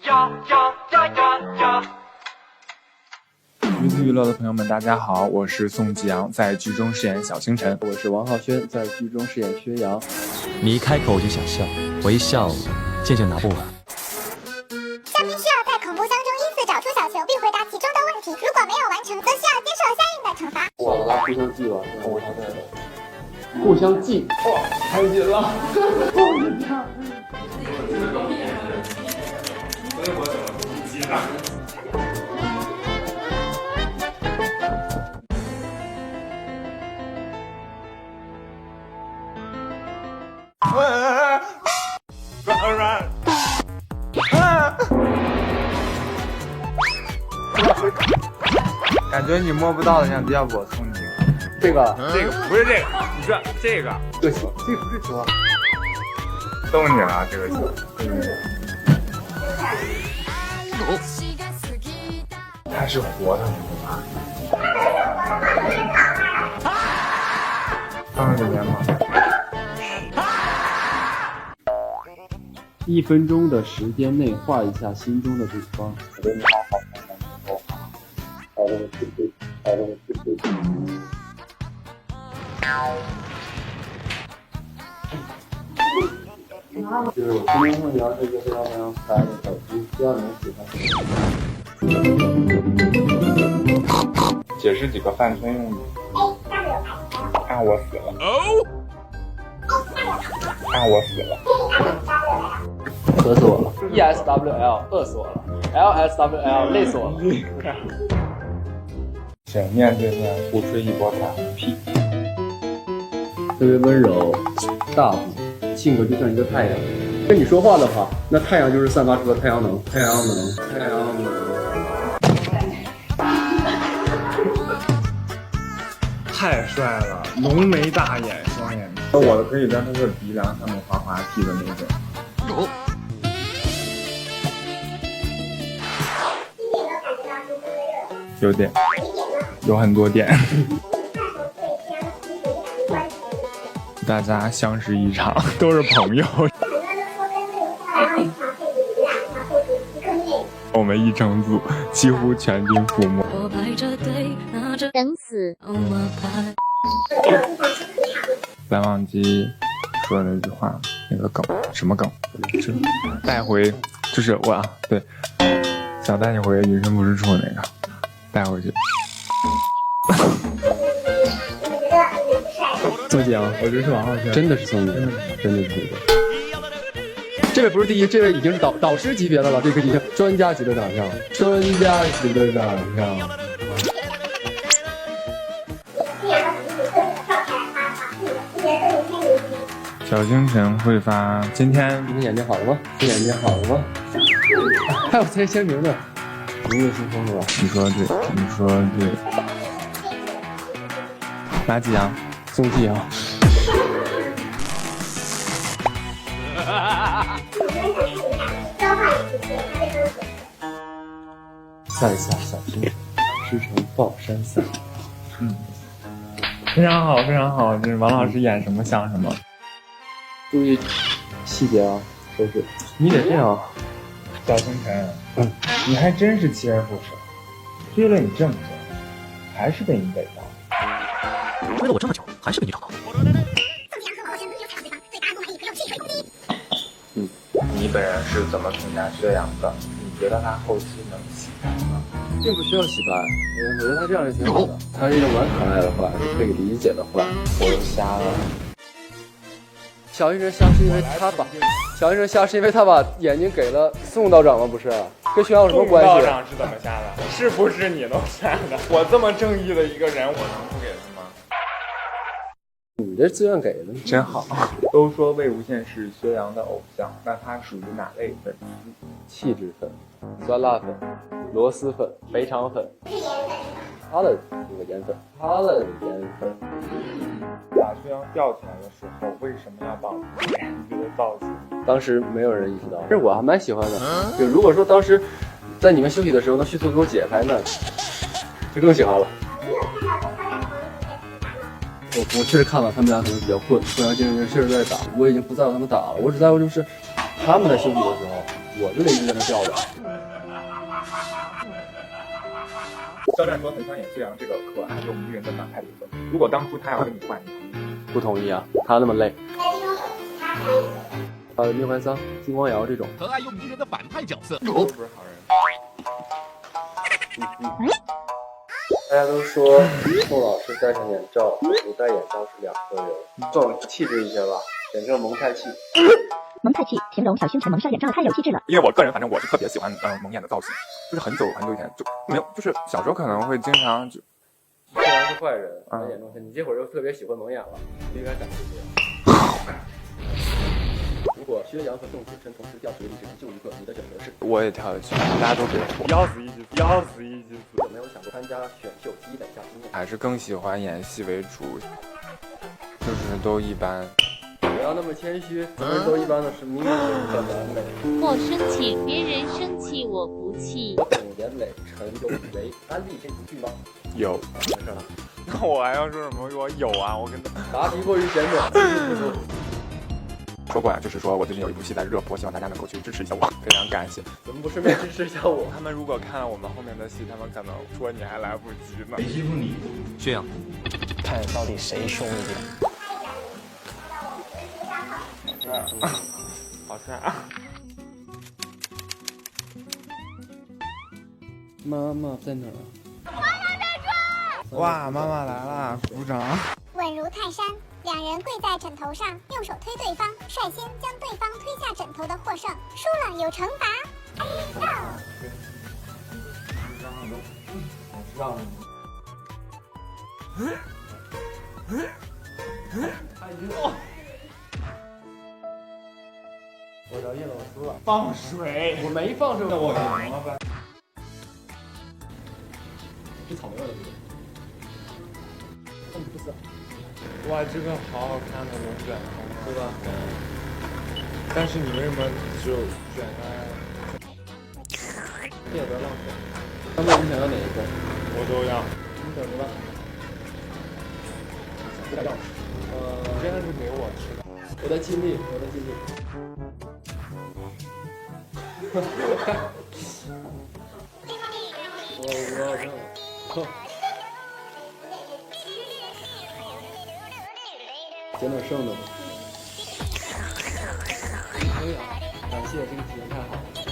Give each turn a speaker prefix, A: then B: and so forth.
A: 鱼子娱乐的朋友们，大家好，我是宋吉阳，在剧中饰演小星辰。
B: 我是王浩轩，在剧中饰演薛洋。
C: 你一开口我就想笑，我一笑渐渐拿不稳。
D: 嘉宾需要在恐怖箱中依次找出小球，并回答其中的问题，如果没有完成，则需要接受相应的惩罚。
B: 我和他互相记吧，我他在互相记。哇，太紧了！我的天！所以我怎么不记呢？
A: 感觉你摸不到的，想要不我送你？
B: 这个
A: 不是这个，你说这个
B: 这球，这不是球啊！
A: 送你了，这个球。它是活的，吗？放在里面吗
B: ？1分钟的时间内画一下心中的对方。就是我今天会聊这个非常非常可爱的手机，希望你们喜欢。
A: 解释几个泛村用语。啊，我死了。啊，我死了。
B: 渴死我了。ESWL 饿死我了。LSWL 累死我了。
A: 请面对面互吹一波反屁。
B: 特别温柔、大方，性格就像一个太阳。跟你说话的话，那太阳就是散发出的太阳能。太阳能。
A: 太帅了，浓眉大眼，双眼皮。我的可以在他的鼻梁上面滑滑梯的那种。有点，有很多点。大家相识一场，都是朋友。我们一整组几乎全军覆没。
D: 等死。
A: 蓝忘机说的那句话，那个梗，什么梗？带回，就是我啊，对，想带你回云深不知处那个，带回去。
B: 宋吉阳，
A: 我觉得是王浩轩，
B: 真的是宋吉阳，真的是宋吉阳。这位不是第一，这位已经是导师级别的了，这个已经专家级的长相，专家级的长相。
A: 小星辰会发今天
B: 眼睛好了吗？眼睛好了吗？还有签签名呢，一月新风是吧？
A: 你说对，你说对。哪几阳？
B: 宋吉阳。赛下小星辰，师承抱山赛。
A: 非常好，非常好。就是王老师演什么像什么。
B: 注意细节啊，都是你得这样。
A: 小星辰，你还真是锲而不舍，追了你这么久，还是被你逮到。
C: 追了我这么久，还是被你找到。
A: 你本人是怎么评价薛洋的？你觉得他后期能洗白吗？
B: 并不需要洗白，我觉得他这样是挺好的。他是一个蛮可爱的坏，是可以理解的坏。
A: 我又瞎了。
B: 小星辰瞎是因为他把小星辰瞎是因为他把眼睛给了宋道长吗？不是，跟薛洋有什么关系？
A: 宋道长是怎么瞎的？是不是你弄瞎的？我这么正义的一个人，我能不给他吗？
B: 你这自愿给的，
A: 真好。都说魏无羡是薛洋的偶像，那他属于哪类粉丝？
B: 气质粉、酸辣粉、螺蛳粉、肥肠粉。他的那个颜粉，他的颜粉。
A: 把薛洋吊起来的时候，为什么要绑脸这个造型？
B: 当时没有人意识到，这我还蛮喜欢的。就如果说当时在你们休息的时候能迅速给我解开，那就更喜欢了。我确实看了他们俩可能比较困，不然这个人确实在打，我已经不在乎他们打了，我只在乎就是他们在休息的时候我就得一直在那吊着。
A: 肖战说很想演这样这个可爱又迷人的反派角色。如果当初他要跟你换，你同意吗？
B: 不同意啊，他那么累。宁怀桑、金光瑶这种
E: 可爱又迷人的反派角色，
A: 都不是好人。
B: 大家都说宋老师戴上眼罩和不戴眼罩是两个人，更气质一些吧，简称蒙太气。
F: 蒙太气，形容小星辰蒙上眼罩太有气质了。
A: 因为我个人，反正我是特别喜欢蒙眼的造型，就是很久以前就没有，就是小时候可能会经常就。
B: 虽然是坏人，戴眼罩，你这会儿又特别喜欢蒙眼了，不应该展示这样。如果薛洋和宋星辰同时掉水里，只能救一个，你的选择是？
A: 我也跳下去，大家都别错，要死一起死，要死一起死。
B: 有没有想过参加选秀积累下经验？
A: 还是更喜欢演戏为主，就是都一般。
B: 不要那么谦虚，咱们都一般的是明明很完美。
G: 我生气，别人生气我不气。
B: 我董延磊、陈有为、安利这部剧吗？
A: 有，
B: 没事了。
A: 那我还要说什么？我有啊，我跟他
B: 答题过于简短。
A: 说过呀，就是说我最近有一部戏在热播，希望大家能够去支持一下我，非常感谢。
B: 怎么不顺便支持一下我？
A: 他们如果看了我们后面的戏，他们可能说你还来不及呢。
E: 谁欺负你？
C: 这样，
H: 看到底谁凶一点。
A: 好帅啊！
B: 妈妈在哪儿？
A: 哇，妈妈来啦，鼓掌！
D: 稳如泰山，两人跪在枕头上，用手推对方，率先将对方推下枕头的获胜，输了有惩罚。
B: 让我叫叶老师了。
A: 放水！
B: 我没放水。
A: 那我赢了呗。
B: 是草莓味的，不是？
A: 哇，这个好好看的龙卷风，
B: 对吧？
A: 但是你为什么只有卷在？
B: 这也不要浪费。他们你想要哪一个？
A: 我都要。
B: 你选择吧。不要。
A: 真的是给我吃的。
B: 我在尽力，我在尽力。我要这样。捡点剩的吧。可以啊，感谢这个体验太好了。